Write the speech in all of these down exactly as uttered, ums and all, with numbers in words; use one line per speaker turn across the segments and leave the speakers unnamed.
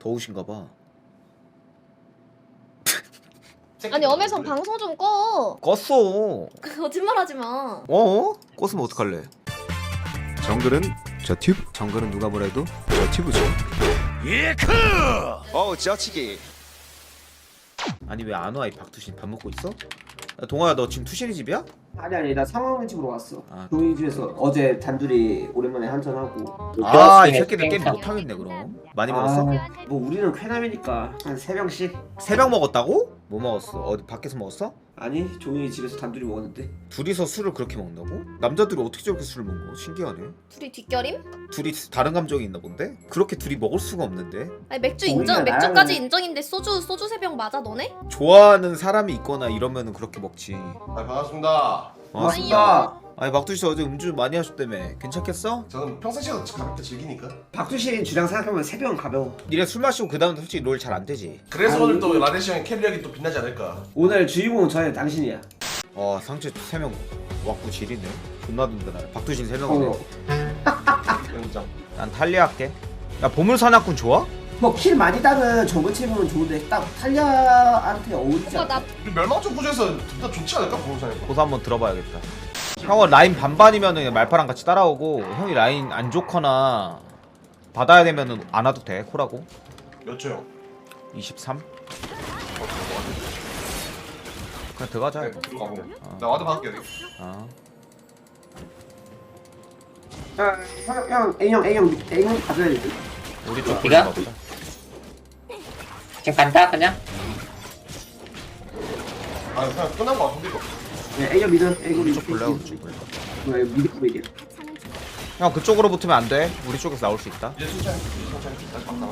더우신가봐.
아니 엄혜성 방송 좀 꺼.
껐어.
거짓말하지 마.
어? 껐으면 어떡할래? 정글은 저 튜브. 정글은 누가 뭐래도 저 튜브죠. 예크! 어우 지어치기. 아니 왜 안 와 이 박투신? 밥 먹고 있어? 야, 동아야 너 지금 투신이 집이야?
아니 아니 나 상황을 집으로 왔어.
아.
종이 집에서 어제 단둘이 오랜만에 한잔하고.
아 이 새끼들 게임 못하겠네 그럼. 많이 먹었어?
아, 뭐 우리는 쾌남이니까 한 세 병씩.
세 병 먹었다고? 뭐 먹었어? 어디 밖에서 먹었어?
아니 종이 집에서 단둘이 먹었는데.
둘이서 술을 그렇게 먹는다고? 남자들이 어떻게 저렇게 술을 먹어? 신기하네.
둘이 뒷결임?
둘이 다른 감정이 있나 본데? 그렇게 둘이 먹을 수가 없는데?
아니 맥주
우리가
인정. 맥주까지
나는-
인정인데 소주 소주 세 병 맞아 너네?
좋아하는 사람이 있거나 이러면은 그렇게 먹지.
아 반갑습니다.
고맙습니다.
아니 막두씨 어제 음주 많이 하셨다며. 괜찮겠어?
저는 평상시에도 가볍게 즐기니까.
박두신 주량 생각하면 세 병 가벼워.
니네 술 마시고 그 다음에 솔직히 롤 잘 안 되지.
그래서
아니.
오늘 또 라데시 형의 캐리력이 또 빛나지 않을까.
오늘 주인공은 저의 당신이야.
어 상체 세 명 왔고 지리네. 존나 든든하네. 박두신 세 명이네.
어.
인정.
난 탈리아 할게. 야 보물사냥꾼 좋아?
뭐킬 많이 따는 정글챔은 좋은데 딱 탈리아한테 어울리지
오빠
않아.
나
이 멸망적 구조에서 둘 다 좋지 않을까 보험사님.
고소 한번 들어봐야겠다. 형은 라인 반반이면은 그냥 말파랑 같이 따라오고 형이 라인 안 좋거나 받아야 되면은 안 와도 돼. 콜하고.
몇 초 형?
이십삼? 그냥 들어가자.
네,
이거.
들어가고.
어.
나 와드 받을게 여기.
아.
형, 형, A형, A형, A형 가져야 돼.
우리 쪽
네가?
돌려봐 보자.
지금 간다 그냥.
아 그냥 끝난 거 같은데 이거.
네, A형 미드, A형
우리
미드.
쪽 볼래? 우리 쪽 볼래?
뭐야, 이거 미드 보이게.
형 그쪽으로 붙으면 안 돼. 우리 쪽에서 나올 수 있다.
이제 천천히 천천히 다시 막다가.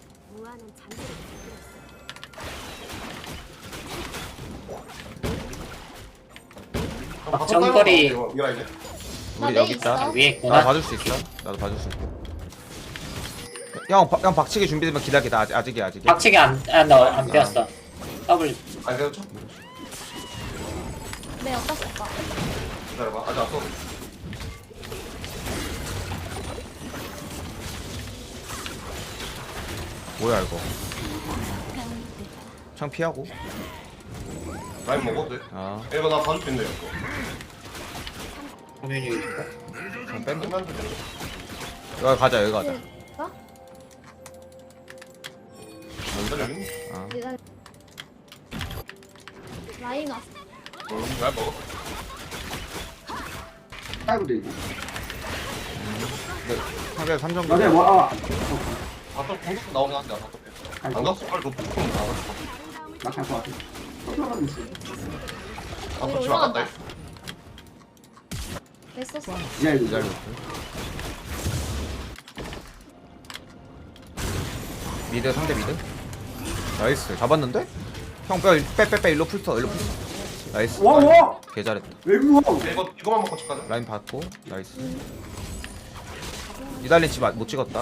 아, 정거리.
이거라 이제.
나
우리
메이
여기 있다.
있어.
위에
나
있구나.
봐줄 수 있어. 나도 봐줄 수 있어. 형, 바- 형 박치기 준비되면 기다리다. 아직 아직이야 아직이야.
박치기 안안안 되었어. 더블.
아니 그래도 쳐.
네 어디다 쓸까?
기다려봐. 아직 안 써.
뭐야 이거? 창 피하고.
라인 먹어도 돼.
아,
이거 나 봐줄 수 있네 이거.
화면이
창 뺀다.
끝났는데.
여기 가자 여기 가자.
어?
먼저 여기.
아,
기다려. 라인 왔어.
응. 라인 먹어.
깔고 되고.
상대 삼 점.
맞아, 뭐, 아,
바텀 공격 나오긴 한데 안 바텀. 안 갔어. 빨리 높은 거 나갔어.
나갈 것 같아. 들어가고 있어.
바텀 집 나갔다.
왜 썼어?
야, 이거.
기다려. 미드 상대 미드. 나이스 잡았는데? 형빼빼빼빼 일로 풀터 일로 풀터. 나이스.
와, 와!
개 잘했다.
외국어!
이거 이거만 먹고 집 가자.
라인 받고 나이스. 이달린 집못 찍었다.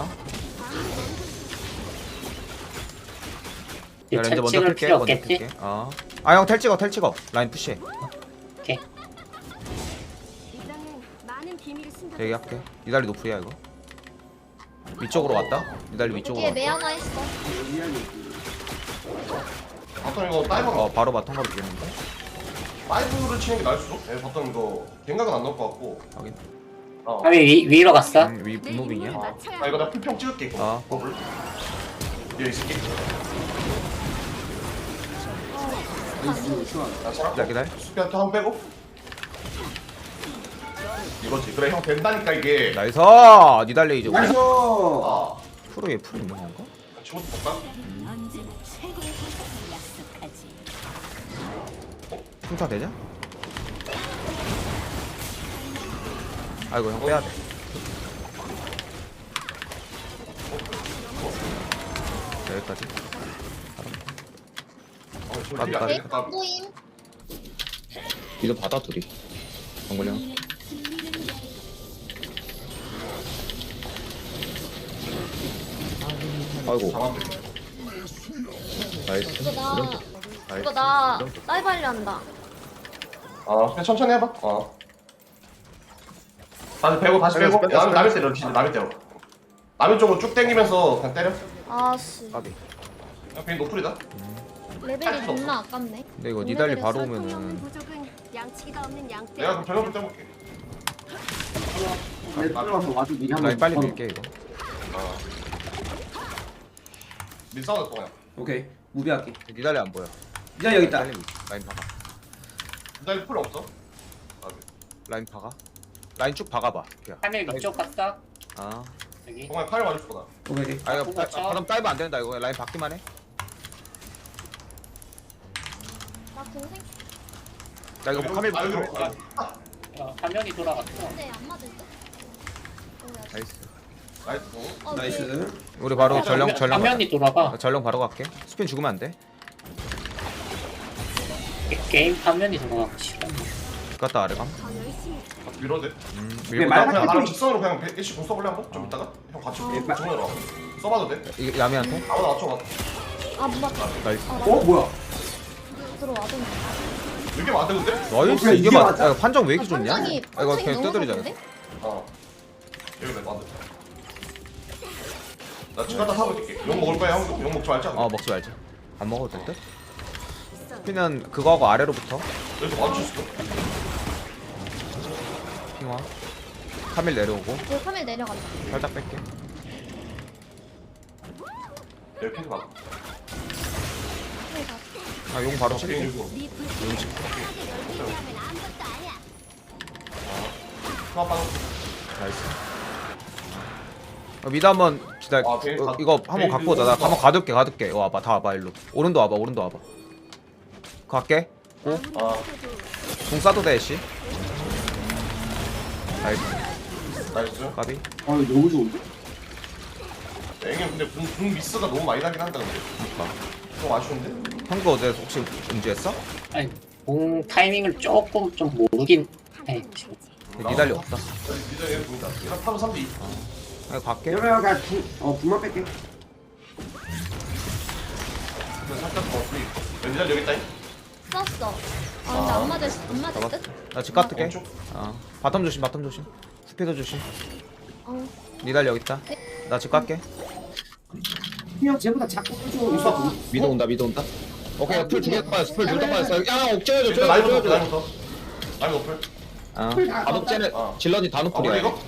야 렌즈 먼저
찍을
틀게
필요
먼저
없겠지?
틀게. 어. 아 형 텔 찍어 텔 찍어. 라인 푸시해.
오케이.
대기 할게. 이달리 노프야 이거. 위쪽으로 왔다. 이달리 위쪽으로
여기에
왔다.
메 하나 있어.
바텀 이거 다이버.
어 바로 바텀 가도 되겠는데.
다이브를 치는 게 나을 수도. 예, 바텀 이거 갱각은 안 넣을 것 같고.
확인.
어.
화면 위 위로 갔어.
음, 위 무빙이야.
아, 아 이거 나 풀평 찍을게 이거.
아.
버블. 여기 있을게. 나
자
살았고.
기다려.
수비한테 한 빼고. 이거지. 그래 형 된다니까 이게.
나이스. 니달리 이제
나이스!
아.
프로 얘 프로 있는 건가?
친구도 볼까?
풍차 되냐? 아이고 형 빼야 돼. 자, 여기까지.
어, 지금
까비,
딜이 안
까비.
되니까.
모임.
이거 받아 둘이. 정글 형. 아이고
잡았네.
나이스.
이거 나
이런 거.
이거
나이스.
나 다이브 하려 한다.
아 그냥 천천히 해봐. 어. 다시 빼고 다시
빼고,
빼고.
빼고,
남이
빼고.
남이 때려 진짜 남이 때려. 아미 쪽으로 쭉 당기면서 그냥 때려.
아씨
까비.
그냥 베인 노플이다.
레벨이 존나 아깝네.
근데 이거 니달리 바로 오면은
양치기가 없는 양떼.
내가 그럼 전력을 떼볼게.
내 들어가서 와도 미리 한번
라인 빨리
걸어.
밀게 이거.
어. 민 싸우자 또 그냥.
오케이 무비할게.
니달리 안 보여.
이제 여기 있다.
빨리 밀- 라인 박아.
나 풀 없어. 아,
라인 박아. 라인 쭉 박아봐. 야.
하늘 위쪽 갔어.
아.
여기.
동아야 칼 맞을 거다.
오케이 오케이.
아 이거
바꾸고 쳐.
바람 따이면 안 된다 이거. 라인 박기만 해.
나 동생
나 이거 뭐 카밀
아, 여기로.
붙여.
아,
어, 화면이 돌아갔어.
근데 안 맞을 듯? 뭐야?
나이스.
나이스.
어, 오케이.
나이스.
우리 바로 전령
화면-
전령.
화면이 돌아가.
가자. 전령 바로 갈게. 스핀 죽으면 안 돼.
게- 게임 화면이 돌아가고 싶어.
갔다 아래감.
아, 밀어도 돼.
음.
왜
밀고
말-
나.
그냥 나랑 직선으로 그냥 일시 공 써볼래 한번? 좀 이따가? 형 같이
예, 마-
정면으로 와봐. 써봐도 돼?
이게 야미한테.
아무나 맞춰봐.
아, 못 맞다.
나이스.
아, 나
어 뭐야?
들어와줬네.
이게 맞대 근데?
나이스.
그래,
이게
이게
맞.
맞아?
야, 판정 왜 이렇게
아,
좋냐?
판정이,
아, 이거
판정이
그냥
너무
떠들이잖아.
좋은데?
어. 여기 왜 맞대? 나 지금 갖다 사볼게. 욕 먹을 거야 형? 욕 먹지 말자.
어 먹지 말자. 안 먹어도 될 듯? 스피는 그거 하고 아래로부터.
여기서 맞출 수 있어?
핑화. 카밀 내려오고
저 카멜 내려간다.
살짝 뺄게.
이렇게 해서 막.
카멜 가.
아 용 바로 칠게.
게임 주고.
용 칠게.
하나 빠졌어.
나이스. 어, 미드 한번 기다려.
아, 베인
어,
가-
이거 한번
베인
갖고 오자. 나
밀고
한번 가둘게, 가둘게. 어, 와봐, 다 와봐 일로. 오른도 와봐, 오른도 와봐. 갈게. 고.
아,
공 쏴도 돼, 씨. 나이스.
나이스.
까비.
어 이거 너무 좋은데?
앵이 근데 공, 공 미스가 너무 많이 나긴 한다 근데.
그니까.
좀 아쉬운데?
형도 어제 혹시 음주했어?
아니, 공 타이밍을 조금 좀 모르긴 해. 지금.
니달리 없다.
미드 얘 보인다. 얘가 파도 삼 대.
아, 갈게.
여러분 그냥 구, 어 구만 뺄게.
근데 살짝 더 프리. 왼쪽 여기 있다.
썼어. 아, 근데 안 맞을, 안 맞을
잡았어.
듯?
나집 갔을게.
왼쪽.
어. 바텀 조심, 바텀 조심. 스피드 조심.
어.
니달리 여기 있다. 나 집 갈게.
형 쟤보다 자꾸 좀 있어.
미드 온다, 미드 온다. 오케이, 풀 두개 빠졌어, 풀 두개 빠졌어. 야, 옥죄어줘,
일단 라인
줘줘,
높을,
줘줘.
라인 높을. 라인 높을.
아, 다 녹제네.
어.
질런이 다
아,
녹풀이야.
그래 이거?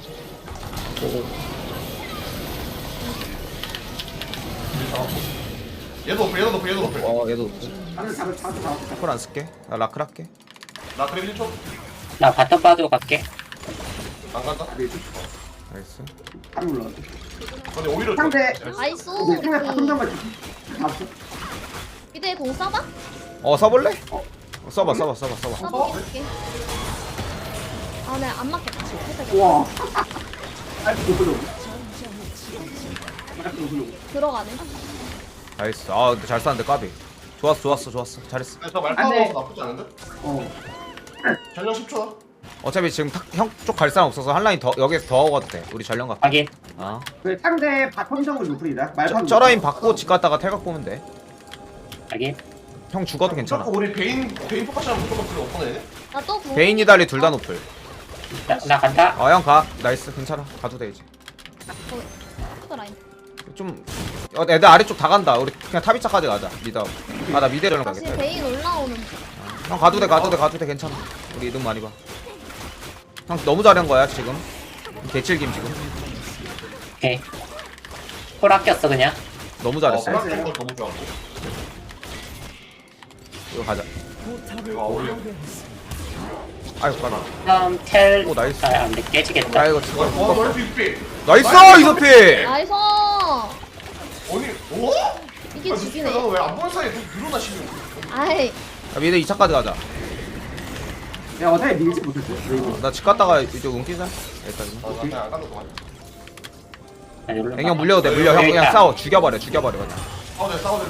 얘도 높을, 얘도 높을, 얘도 높을.
어, 얘도
다들 잡을 잡을 잡을.
풀 안 쓸게. 나 라클 할게.
나 그래 일 초.
나 바텀 빠지고 갈게.
안 간다.
나이스.
안 올라.
근데 오히려
상대.
나이스.
근데 상대 바텀 잡을 잡았어.
미드에 공 써봐?
어, 써볼래? 어, 써봐, 써봐, 써봐, 써봐.
써보게 할게. 아, 네, 안 맞겠다. 살짝
와. 아이 너무 너무.
들어가네.
나이스. 아, 근데 잘 쐈는데 까비. 좋았어, 좋았어, 좋았어. 잘했어.
저
안 돼.
말파워 나쁘지 않은데?
어.
전령 십 초다.
어차피 지금 형 쪽 갈 사람 없어서 한 라인 더 여기서 더 오거든 돼. 우리 전령 갈게.
확인.
아.
그 상대 바텀 정글 노플이다.
저,
말판.
저 라인 받고 집 갔다가 탈각 보면 돼.
확인.
형 죽어도 괜찮아.
무조건 우리 베인 베인 포커스랑 무조건 필요 없거든.
나또 공.
베인 니달리 둘 다 노플.
나, 나 간다.
아, 형 가. 나이스. 괜찮아. 가도 돼 이제.
또 라인.
좀 어, 애들 아래쪽 다 간다. 우리 그냥 탑이차까지 가자. 미드. 아, 나 미드 전령
다시
가겠다.
베인 올라오는.
형 가도 돼, 가도 돼, 가도 돼. 괜찮아. 우리 이득 많이 봐. 형 너무 잘한 거야 지금. 개칠김 지금.
오케이. 콜 아꼈어 그냥.
너무
어,
잘했어.
플랫폼 걸 너무 좋았고.
이거 가자.
이거 어울려.
아이고 가라.
다음 텔.
오, 나이스.
아, 안돼 깨지겠다.
아 이거
어,
죽어.
어, 멀티 빅.
나이스 이소피.
나이스.
아니, 오?
이게 죽이네.
왜안 보는 사이에 늘어나 시는?
아이.
야, 미드 이 차까지 가자.
야 어차피 밀지 못했어.
어, 나 집 갔다가 이제 운기자. 여기까지.
아, 나 그냥 안 간다 동안.
나 여기로
앵형
가.
물려도 돼. 물려. 형
여기
그냥
있다.
싸워. 죽여버려. 죽여버려 그냥.
싸우자, 싸우자.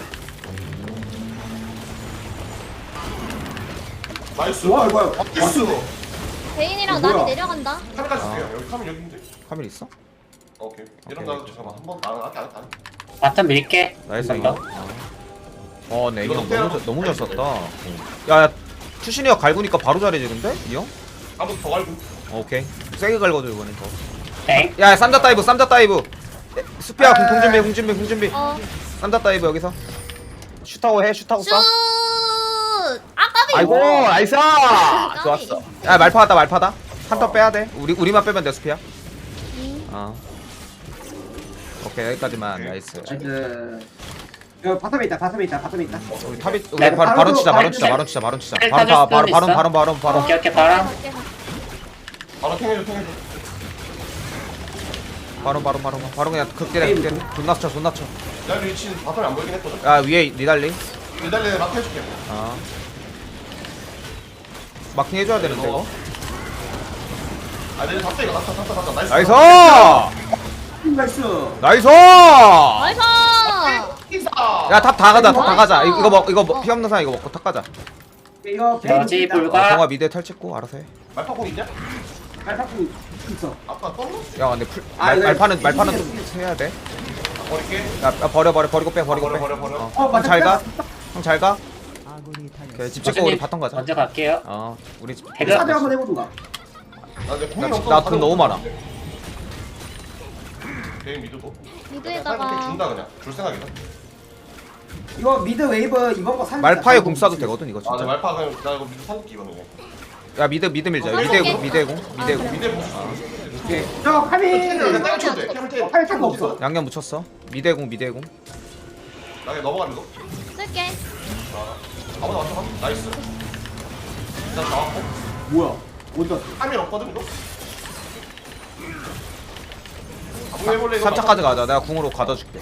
나이스.
와 이거야.
나이스.
베인이랑
뭐야?
나비 내려간다.
카메라 줄게요. 여기 카메라 여기인데.
카밀 있어?
오케이. 이런
오케이.
나 잠깐만 한번 나는 할게 안 할게.
바텀 밀게.
나이스
한
앵형.
번 더.
어, 네,
이거
앵형
빼라고.
너무 잘, 너무 잘 썼다. 야, 야, 추신이 형 갈구니까 바로 잘해지는데? 이 형?
한번 더 갈고.
어, 오케이. 세게 갈거든 이번엔 더.
땡.
야, 쌈자 다이브, 쌈자 다이브. 수피야 공 준비 공 준비 공 준비.
어.
쌈다 다이브 여기서. 슈타고 해 슈타고
슛!
쏴.
아 까비.
아이고 나이스. 좋았어. 야 말파다 말파다. 한턴 빼야 돼. 우리 우리만 빼면 돼 수피야.
음.
어. 오케이 여기까지만 나이스.
나이스. 여기 바텀에 있다 바텀에 있다 바텀에 있다.
우리 탑이 우리
네,
바로
바로
바로 치자 바로
바로
치자 바로 치자 바로 치자.
텔
바로
타줄
바 바로
수는
바로
있어?
바로 바로 바로.
오케이 오케이 바람.
갈게, 갈게.
바로 탱해줘 탱해줘.
바로 바로 바로 바로 그냥 극대래 극대. 존나 쳐 존나 쳐.
야 리치 바텀이 안 보이긴 했거든.
야 위에 니달리.
기다려 막 해줄게.
어. 마킹 해줘야 되는데 이거.
아 내가 잡다 이거 잡다 잡다 잡다 나이스.
나이스.
나이스.
나이스.
나이스.
인사.
야 탑 다 가자 탑 다 가자.
나이스.
이거 먹 이거
어.
피 없는 사람 이거 먹고 탑 가자.
이거
여지
베이비
불가.
어, 정아 미드에 털 찍고 알아서 해.
말파공 있냐?
알파쿠 있어.
아까 떴나?
야 근데 풀
아,
말,
이거
말파는
이거
말파는
이거
좀 해야 돼.
버릴게.
야, 야 버려 버려 버리고 빼 버리고
버려,
빼.
버려, 버려.
어.
어, 맞아,
형 잘 가.
뺐어.
형 잘 가. 오케이 집 찍고 우리 바텀 가자.
먼저 갈게요.
어 우리 집.
배가-
사대 한번 해보든가.
나 이제 공이
나-
없어.
나돈 너무 많아.
게임 미드고.
미드에다가
준다 그냥. 줄 생각이다.
이거 미드 웨이브 이번 거 살.
말파에 공 쏴도 되거든 이거
아, 나
진짜.
말파 그냥 나 이거 미드 살릴게 이거는.
야 미드 미드 밀자.
어,
미드에
살게.
공 미드에 공 미드에
아,
공.
미드 보수.
오케이. 저 카미.
그냥 땅 쳐도 돼. 캠을 쳐.
팔 차가 없어.
양념 묻혔어. 미드에 공 미드에 공.
나 그냥 넘어가는 거.
쓸게.
아무나 맞춰. 나이스. 일단 나왔고.
뭐야? 어디 갔어?
카밀 없거든 이거. 공 해볼래 이거.
삼 차까지 가자. 내가 궁으로 가둬줄게.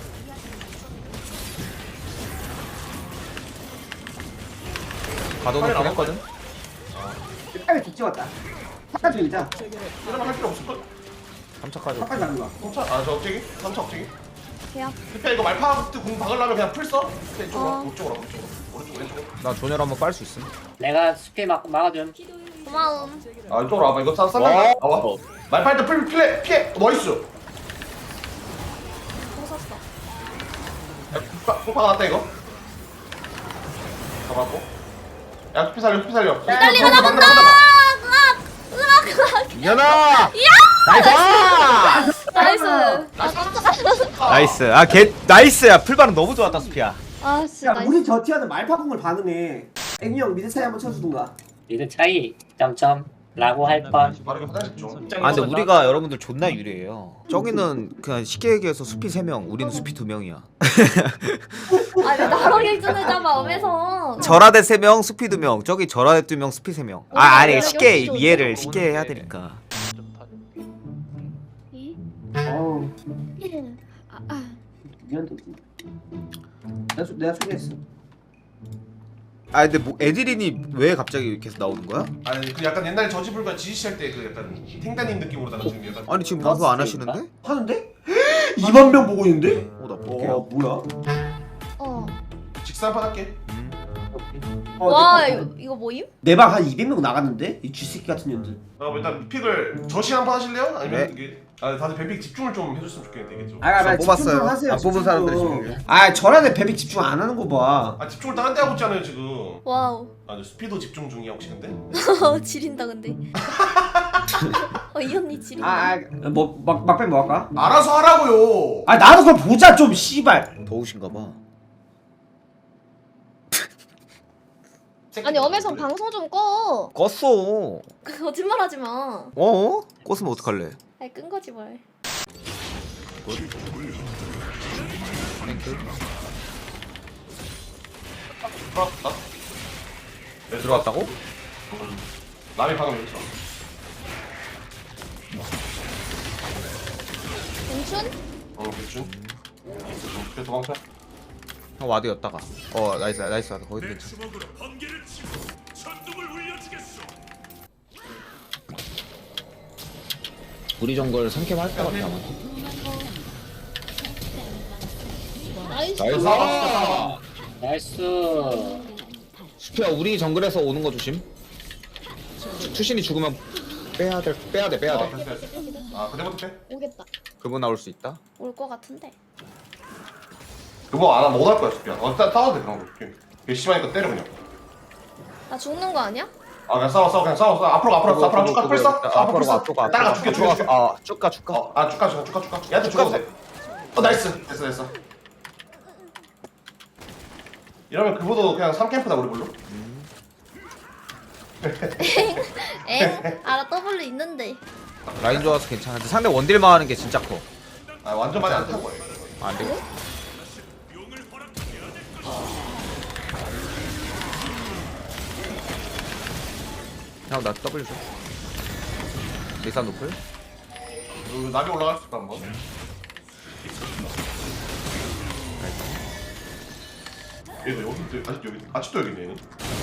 가둬놓긴 했거든.
카미 뒷 찍었다. 사까지 밀자.
이러면 할 필요 없을 걸.
삼 차까지.
사까지 가는 거야.
삼 차. 아저 억제기. 삼 차 억제기.
계약.
그냥 이거 말파 그때 공 박으려면 그냥 풀 써. 이쪽으로
어.
이쪽으로 이쪽으로. 오른쪽 왼쪽.
나 존열 한번 빨 수 있음.
내가 스피 막 막아줌.
고마움.
아 이쪽으로 와봐. 이거 쌈 쌈. 와. 말파 일단 풀 피해 피해. 나이스.
공 샀어.
공 박았다 이거. 잡았고. 야 투피 살려 투피 살려.
달리가 나본다. 으악! 으악! 으악!
이현아. 나이스.
나이스. 아 깜짝.
나이스. 아개 나이스야. 풀반응 너무 좋았다 수피야.
아 진짜
야,
나이스.
우리 저 티어는 말파공을 반응해. 앵이 형 미드 차이 한번 쳐주든가.
리드 차이 점점 라고 할 뻔.
빠르게 화장실 좀.
아 근데 우리가 여러분들 존나 유리해요. 저기는 그냥 쉽게 얘기해서 수피 세 명, 우리는 수피 두 명이야.
아왜 나랑 기준을 잡아 엄해서.
절하대 세 명, 수피 두 명. 저기 절하대 두 명, 수피 세 명. 아 아니 쉽게 이해를 쉽게 해야 되니까.
이?
어우,
아, 아.
미안해. 내가 소- 내가 소개했어.
아 근데 뭐 에드린이 왜 갑자기 계속 나오는 거야?
아니 그 약간 옛날 저지불과 지지시 할 때 그 약간 탱단님 느낌으로다가 지금 약간.
아니 지금 방송 안 하시는데?
하는데? 이만 명 보고 있는데?
어나
어,
볼게요.
뭐야?
어.
직사판 할게.
어,
와
내,
이거, 이거 뭐임?
내방 한 이백 명 나갔는데? 이 쥐새끼 같은 년들.
어 일단 픽을 저시 한판 하실래요? 아니면
네.
이게 아 다들 뱀픽 집중을 좀 해줬으면 좋겠는데 이게 좀.
아, 아,
저
집중
뽑았어요.
좀 하세요,
안 뽑은
집중
사람들이
좀.
지금.
아, 저란에 베비 집중 안 하는 거 봐.
아 집중을 딴 데 하고 있잖아요 지금.
와우.
아 저 스피드 집중 중이야 혹시 근데?
지린다 근데. 어 이 언니 지린다.
아, 아, 뭐, 막, 막빼 뭐 할까?
알아서 하라고요.
아, 나도 그럼 보자, 좀, 씨발.
더우신가 봐.
아니 엄해선 방송 좀 꺼.
껐어.
거짓말하지 마.
어? 껐으면 어떡할래?
아이 끈 거지 뭘.
땡큐.
들어왔다. 네,
들어왔다고?
음. 남이 방금 여기 들어.
공춘?
어 대충. 그래 도망쳐.
형 와드였다가. 어 나이스 나이스 와드 거기도 괜찮아. 우리 정글 삼캠 할것 같아 아마.
나이스.
나이스.
나이스.
수피야 우리 정글에서 오는 거 조심. 추- 추신이 죽으면 빼야 돼 빼야 돼 빼야
아
돼.
됐어 됐어. 아 그때부터 빼.
오겠다.
그분 나올 수 있다.
올 거 같은데.
그거 안 하면 못할 거야 스피야. 어 따, 따도 돼 그런 거. 개 심하니까 때려 그냥.
나 죽는 거 아니야?
아 그냥 싸워 싸워 그냥 싸워 싸워. 앞으로 가, 앞으로 가, 앞으로 쭉 가. 풀 써.
앞으로 가
풀 써.
앞으로 가.
따라가 죽게 죽게 죽게.
아쭉가 쭉가.
어, 아 쭉가 쭉가 쭉가 쭉가. 얘한테 죽어도 돼. 어 나이스 됐어 됐어. 이러면 그보도 그냥 삼 캠프다 우리 걸로.
에? 알아 W 있는데.
라인 좋아서 괜찮은데 상대 원딜만 하는 게 진짜 커.
아 완전 많이 안 타고 해.
아, 안 되겠다. 형, 나 W 줘. 리산 노플?
그 나비 올라갈 수 있다 한번. 얘도 여기 있- 아직 여기 아직도 여기 있네. 얘는.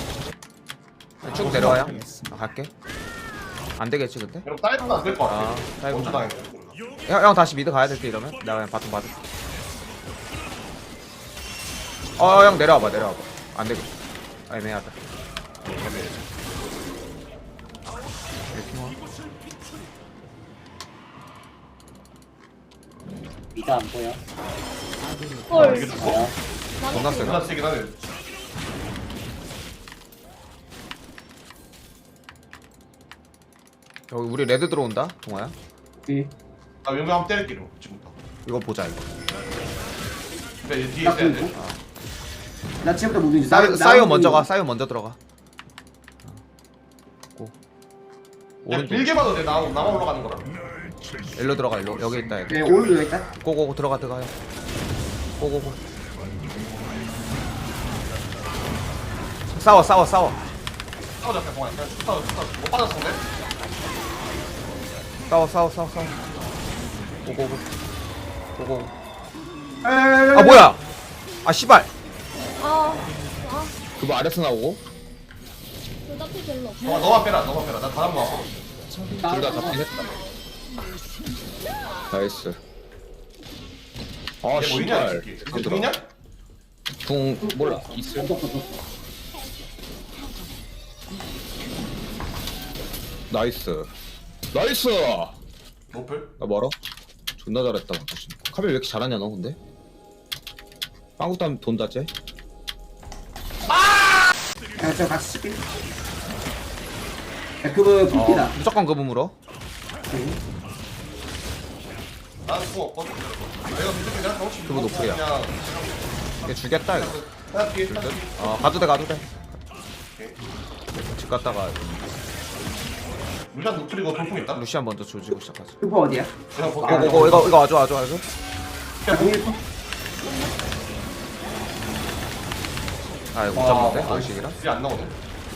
쭉 내려와요. 나 갈게. 안 되겠지, 근데?
그럼 다이브는 안될 것 같아.
아, 다이브는
먼저
안
당했어.
형, 형 다시 미드 가야 될 때 이러면? 내가 그냥 바텀 받을게. 어, 형 내려와봐, 내려와봐. 안 되겠다. 아, 애매하다. 이렇게 뭐.
미드 안 보여.
헐.
이게 좀
뭐야?
존나 세다.
존나 세긴 하네.
여기 우리 레드 들어온다, 동아야.
예.
나 용병 한번 때릴게 이거 지금부터.
이거 보자, 이거.
그래 얘 뒤에
나
있어야 돼.
보고. 나 지금부터 무빙.
사이오, 사이오 먼저 가, 사이오 먼저 들어가. 어. 고.
그냥
오른쪽.
길게 봐도 돼. 나 나만 올라가는 거라.
일로 들어가, 일로. 여기 있다, 여기.
네, 오른쪽 여기 있다.
고고고 들어가, 들어가요. 고고고. 싸워, 싸워, 싸워.
싸우자 그냥 그냥 쭉 싸워 쭉 싸워. 못 받았어 근데.
싸워, 싸워, 싸워, 싸워. 고고고. 고고고.
아
아, 뭐야! 아, 씨발!
아. 아.
그거 아래서 나오고?
대답이 별로 없어.
너가 너만 빼라 너만 빼라. 나 다른 거 하고.
둘 다 잡긴 했다. 나이스. 아,
얘 뭐 있냐 이
씨발.
새끼. 이제 돈 있냐?
궁, 몰라. 있을. 나이스. 나이스!
노플?
나 멀어? 존나 잘했다. 카벨 왜 이렇게 잘하냐, 너 근데? 빵국도 하면 돈다, 쟤?
야, 저 같이 쓸게. 야, 그거 붓기다.
어, 무조건 그분 물어.
나는 뭐 없거든. 내가 믿을 그냥 정신
그거 노플이야.
그냥
얘 죽겠다, 이거.
그냥 뒤에 딱
어, 가도 돼, 가도 돼. 집 갔다가
루시안 노플이고 돌풍 있다.
루시안 먼저 조지고 시작하자.
그거 어디야?
그냥 볼게.
고, 고, 고, 이거, 이거 와줘, 와줘, 와줘.
야, 공일 퍼.
아, 이거 못 잡는데? 원식이랑?
이게 안 나오네.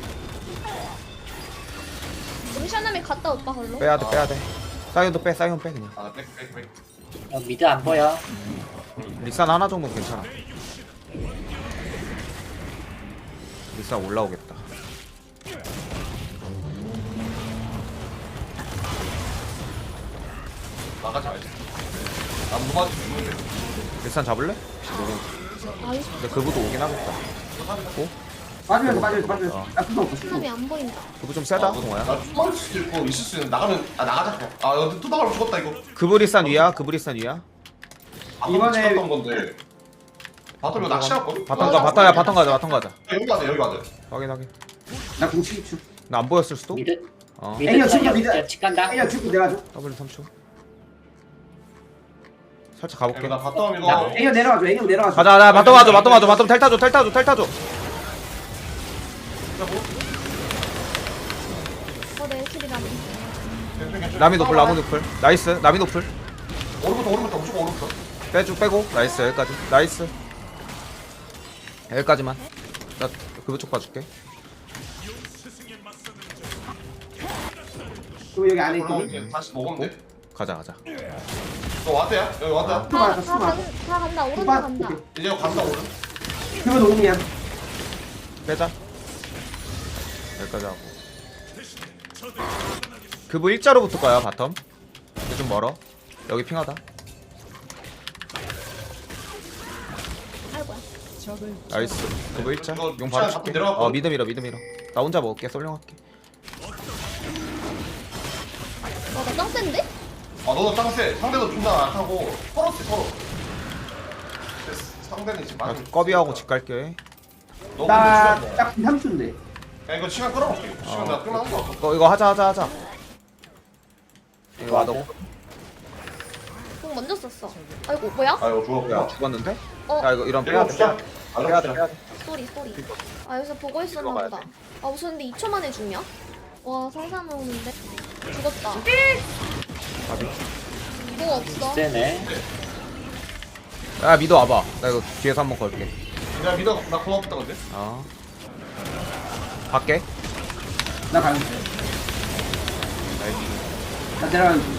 우리 샤남이 갔다 오빠 걸로.
빼야 돼, 빼야 돼. 사이온도 빼, 사이온 빼, 그냥.
아, 백, 백, 백.
어, 미드 안 보여.
리산 하나 정도는 괜찮아. 리산 올라오겠다.
나가지 말자. 안 무마지 죽는데.
리산 잡을래?
아이
근데 그부도 오긴 하겠다.
빠지면서 빠지면서 빠지면서.
어.
나 그거 없어. 그거
샤남이
없어.
안 보인다.
그부 좀 세다,
아,
동아야.
나 죽을 수도 있고 있을 수 있는 나가면 아 나가자 그냥. 아 여기 또 나가면 죽었다 이거.
그부 리산 위야, 그부 리산 위야.
이번에
이번에-
찍었던 건데. 바텀 이거 낚시할걸?
바텀 가, 바텀야, 바텀 가자, 바텀 가자.
여기 가자 여기 가자.
확인, 확인.
나 공칠 줄.
나 안 보였을 수도?
미드
어.
미드
애니어
쳐,
친구 미드.
야, 집 간다.
아니야, 죽고 내가 줘.
W 삼 초. 살짝 가볼게.
나 바텀
나-
이거.
애니어 내려가줘. 애니어 내려가줘.
가자, 나 바텀 가줘, 바텀 가줘, 바텀 텔 타줘, 텔 타줘, 텔 타줘.
어, 내 킬이라니.
나미 노플, 나무 노플. 나이스, 나미 노플.
오른부터 오른부터 무조건 오른부터.
빼줘, 빼고. 나이스, 여기까지. 나이스. 여기까지만. 나 그부 쪽 봐줄게.
그거 여기 안에
올라오면
있거든.
이제 다시 먹으면 돼.
가자, 가자.
너 왔대야? 여기 왔다.
또
다,
맞아,
다,
또 맞아.
간, 다 간다. 오른쪽
빠-
간다.
오케이.
이제 이거 간다 오른.
그거 녹음이야.
빼자. 여기까지 하고. 그부 일자로 붙을 거야, 바텀. 근데 좀 멀어. 여기 핑하다.
아이고야.
나이스. 그부 일자.
이거
용 바로
시간
줄게.
내려갔거든?
어, 미드 밀어, 미드 밀어. 나 혼자 먹을게, 솔룡할게.
와, 나 짱센데?
아 너도 짱세. 상대도 존나 약하고 서로지 서로. 근데 상대는 지금
나
많이.
꺼비하고 집 갈게.
너
나
근데 시간
딱 삼 초인데.
야 이거 시간 끌어볼게. 시간
어.
내가 끌만한 거 같아.
이거, 이거 하자, 하자, 하자. 이거 와도
그럼 공 먼저 썼어. 아이고 뭐야?
아 이거 죽었구나.
야 죽었는데?
어
야 이거 이런
내가
빼야 돼.
주자. 아
빼야
내가
돼.
주자.
빼야 돼.
쏘리 쏘리. 아 여기서 보고 있었나
들어가야
보다. 아 무슨 근데 이 초 만에 죽냐? 와 살살먹는데 죽었다.
가비.
공 없어.
세네.
야 미도 와봐. 나 이거 뒤에서 한번 걸게.
내가 믿어. 나 고맙다 근데.
어. 밖에.
나 가는 중. 나 내려가는 중.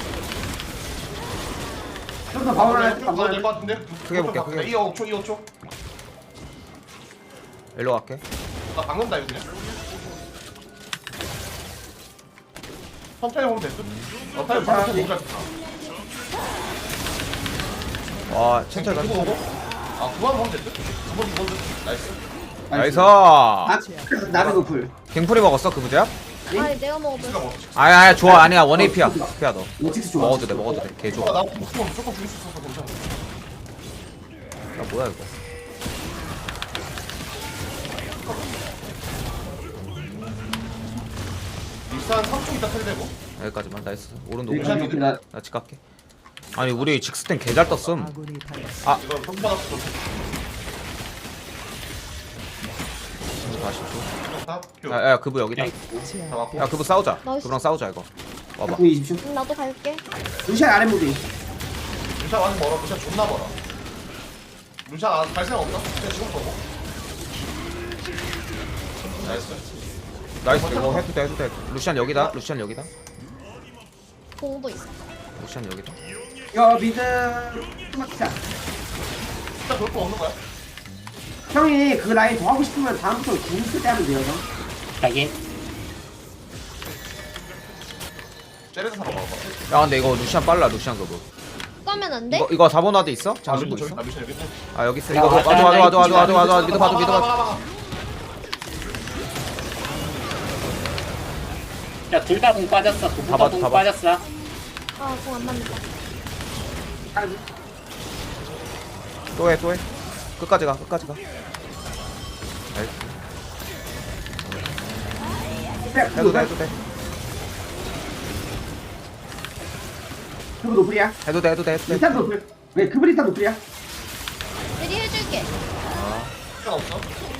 좀더 바울을 할 때,
넣어야 될것 같은데.
크게 볼게, 크게.
이 오 초, 이 오 초.
일로 갈게.
나 박는다 이거 그냥. 천천히 보면 됐어. 어 타임
자,
천천히 보자.
와 천천히
그거
가.
보고. 아 그만 보면 됐어. 그만 보면 됐어. 나이스.
나이스.
아, 나는 그 불.
갱풀이 먹었어 그 부자?
아니 내가 먹어볼.
누가 먹어?
아야 아야 좋아 아니야 원 에이피야. 피야 너.
로틱스 좋아.
먹어도 돼 먹어도 돼. 개
아,
좋아.
나 무조건 무조건 죽일 수 있어서 괜찮아.
야 뭐야 이거.
리산 삼 초 있다 텔레고.
여기까지만 나이스. 오른
여기
노고.
가, 여기 나
나 집 갈게. 아니 우리 직스텐 개잘 떴음. 아
이거 평판학도
사십 초.
좋다. 큐.
야야 그부 여기다.
다 맞고.
야 그부 싸우자.
나이스.
그부랑 싸우자 이거. 와봐.
공 이십 초.
응, 나도 갈게.
루시안 아래 무기.
루샤 완전 멀어. 루샤 존나 멀어. 루샤 아, 갈 생각 없나? 그냥 지금 보고. 나이스.
나이스 이거 해도 돼 해도 돼. 루시안 여기다. 루시안 여기다.
공도 있어.
루시안 여기다.
여 미드 스마트샷.
진짜 별거 없는 거야?
형이 그 라인 더 하고 싶으면 다음부터 궁쓸 때 하면 돼요, 형.
자기.
쟤네서 사러 가봐.
야 근데 이거 루시안 빨라 루시안 그부.
까면 안 돼?
이거 이거 사 번 와드 있어?
아,
장신구
미션
있어?
나 미션 여기 있네.
아 여기 있어.
야,
이거
왔다,
와줘 와줘 와줘 와줘 와줘 와줘 와줘. 미드 봐줘 미드 봐줘.
봐봐.
야, 둘 다 공 빠졌어.
다
두분다
봤-
공
다 봤-
빠졌어.
아 공 안 맞는다.
또해 또해. 끝까지 가 끝까지 가. 나이스. 해도 돼 해도 돼.
그거 노플이야.
해도 돼 해도 돼 해도 돼.
리탄 노플. 왜 그브 리탄 노플이야?
대리 해줄게.
미션 없어?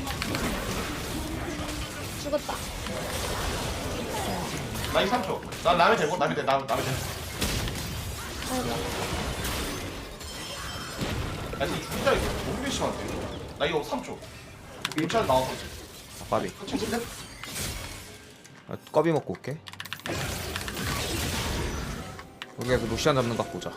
죽었다.
나이 삼 초. 난 남이 되고 남이 돼. 남 남이 돼.
아이고.
야 이거 진짜 이거 너무 심한데. 나 이거 삼 초. 루샤 나왔어.
아, 까비. 아, 꺼비 먹고 올게. 여기에서 루시안 잡는 거 보자.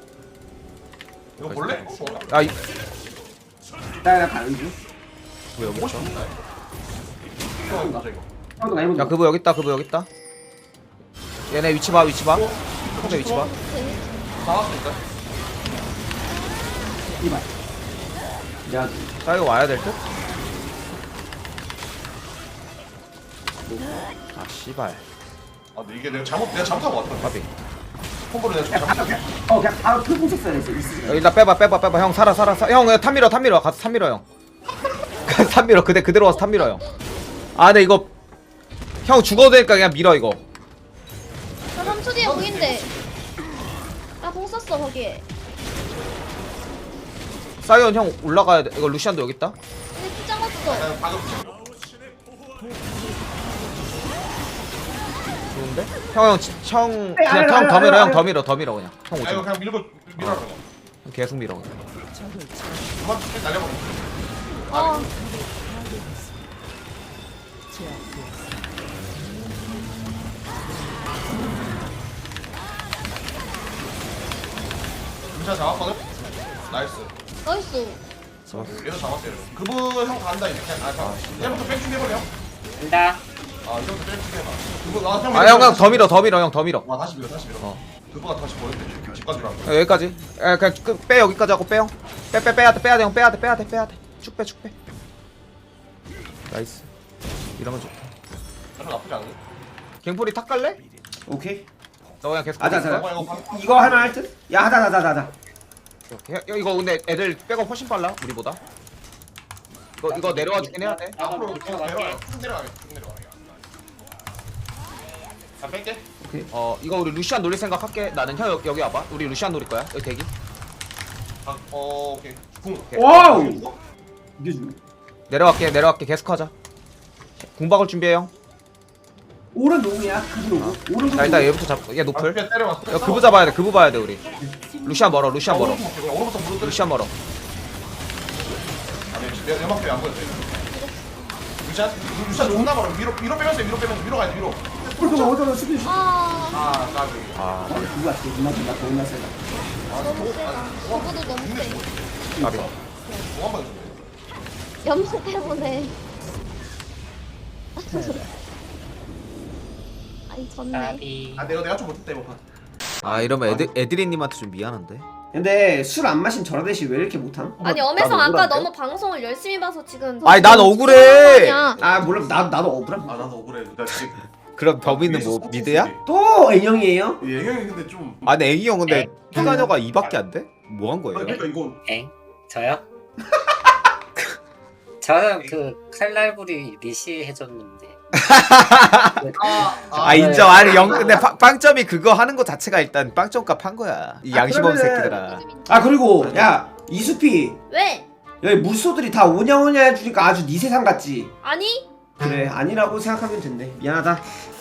이거 볼래?
야, 이,
나, 나 가는 중.
그 여기 있어.
이거 보자 이거.
형도 나 해보자.
야, 그부 여기 있다. 그부 여기 있다. 얘네 위치 봐, 위치 봐. 혼자 위치 봐.
나왔어 일단.
이발. 야,
자, 이거 와야 될 듯? 아, 씨발.
아 근데 이게 내가 잘못 내가 잘못한 거 같아.
까비.
콤보를 내가 좀
그냥 바로,
잘못.
그냥, 어, 그냥 바로 풀공 썼어야 됐어. 있으니까.
여기다 빼봐, 빼봐, 빼봐. 형, 살아, 살아, 살아. 형, 야, 탑 밀어, 탑 밀어. 가서 탑 밀어, 형. 가서 탑 밀어. 그대, 그대로 와서 탑 밀어, 형. 아, 근데 이거. 형 죽어도 되니까 그냥 밀어, 이거.
나 삼 초 뒤에 공인데. 나 공 썼어 거기에.
사이언 형 올라가야 돼. 이거 루시안도 여기 있다.
근데 피 잘랐어.
난 방금
좋은데? 형, 형, 지- 형,
아니,
그냥
아니,
형 더
아니,
밀어,
아니,
형 더 밀어, 더 밀어, 그냥. 형
야
오지
이거
마.
그냥 밀고 밀어 그냥.
계속 밀어, 그냥.
그만 날려버려.
어.
루샤 잡았거든. 나이스.
나이스.
얘도 잡았어요. 그분 형 간다 이제. 그냥 아 잠깐. 얘부터 백충 해버려.
된다.
아 이제부터 백충 해봐. 그분 아 형.
아, 형, 형 더 밀어, 더 밀어, 형 더 밀어.
와 다시 밀어 다시 밀어.
어.
그분가 다시 보냈대. 집까지 가.
야, 여기까지. 야, 그냥 끝, 빼 여기까지 하고 빼요. 빼, 빼, 빼야 돼, 빼야 돼, 형 빼야 돼, 빼야 돼, 빼야 돼. 쭉 빼, 쭉 빼. 나이스. 이러면 좋다.
나는 나쁘지 않네.
갱풀이 탁 갈래?
오케이.
너 그냥 계속.
하자,
거기 있어?
하자.
이거 방-
이거 하나 할 듯? 야, 하자, 하자, 하자, 하자.
오케이. 야, 이거 근데 애들 백업 훨씬 빨라, 우리보다. 이거 이거 내려와 주긴 해야 돼.
앞으로
쭉
쭉 내려와요. 쭉 내려가게. 쭉 내려가. 자 뺄게.
어, 이거 우리 루시안 노릴 생각 할게. 나는 형 여기, 여기 와봐. 우리 루시안 노릴 거야. 여기 대기.
아, 어 오케이. 궁.
와우. 이게 중.
내려갈게 내려갈게 계속하자. 궁박을 준비해 형.
오른 노무야. 그브 노무. 오른
자 일단 얘부터 잡. 얘
아,
노플.
그냥 때려봤어.
야 그브 잡아야 돼. 그브 봐야 돼 우리. 루시안 멀어. 루시안 멀어.
오른부터 무릎
루시안 멀어.
아니 내 연막표에 안 보였대. 루시안 루시안 존나 멀어. 위로 위로 빼면서 위로 빼면서 위로 가야 돼 위로.
오른 어디로 수비.
아
아 까비.
아
누가 또 누나 누나 더 누나 세다.
너무 세다. 저거도 너무 세.
까비.
뭐한 번.
염소 때문에. 아니 졌네.
나비.
아 내가 내가 좀 못했다 이번 판.
아 이러면 애드 에드린님한테 좀 미안한데.
근데 술 안 마신 저라 대시 왜 이렇게 못함?
아니 엄혜성 아까 너무 방송을 열심히 봐서 지금.
아니, 난 억울해.
아 몰라 나 나도 억울함.
아 나도 억울해. 나 지금
그럼 범인은 뭐 미드야?
또 N형이에요?
예경이 근데 좀.
아니 애기 형 근데 피가녀가 이밖에 안 돼? 뭐 한
아,
거예요?
그러니까 이거
엥? 저요? 저는 그 칼날부리 리시 해줬는데.
아 인정. 아니 영 근데 파- 빵점이 그거 하는 거 자체가 일단 빵점값 한 거야. 이 양심 없는
그러면은-
새끼들아.
아 그리고 야 이수피
왜?
여기 물소들이 다 오냐오냐 해주니까 아주 네 세상 같지?
아니?
그래 아니라고 생각하면 된대. 미안하다.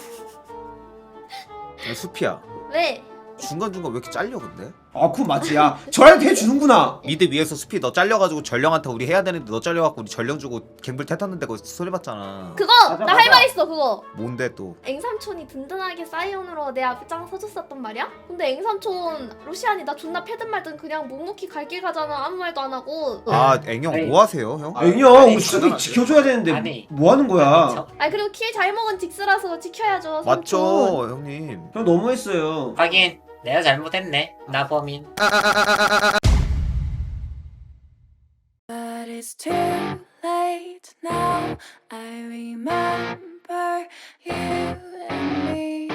야, 수피야.
왜?
중간 중간 왜 이렇게 잘려 근데?
아 그건 맞지. 야 저한테 해주는구나.
미드 위에서 수피 너 잘려가지고 전령한테 우리 해야 되는데 너 잘려갖고 우리 전령 주고 갱불 탔는데 그거 소리봤잖아.
그거
맞아,
나 할
맞아.
말 있어 그거.
뭔데 또?
앵삼촌이 든든하게 사이온으로 내 앞장 서줬었단 말이야? 근데 앵삼촌 루시안이 나 존나 패든 말든 그냥 묵묵히 갈 길 가잖아. 아무 말도 안 하고.
아 앵형
아니.
뭐 하세요 형?
아,
애경
아니,
우리 수피
당연하지.
지켜줘야 되는데
아니.
뭐 하는 거야?
저,
아니 그리고 킬 잘 먹은 직스라서 지켜야죠. 삼촌.
맞죠 형님.
형 너무했어요.
하긴 내가 잘못했네. 나 범인.
But it's too late now. I remember you and me,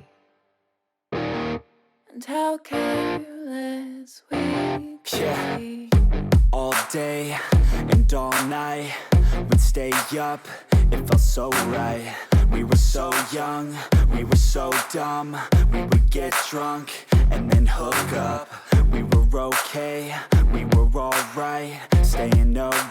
and how careless we could
Yeah.
be.
All day and all night, we'd stay up, it felt so right. We were so young, we were so dumb. We would get drunk and then hook up. We were okay, we were alright, staying up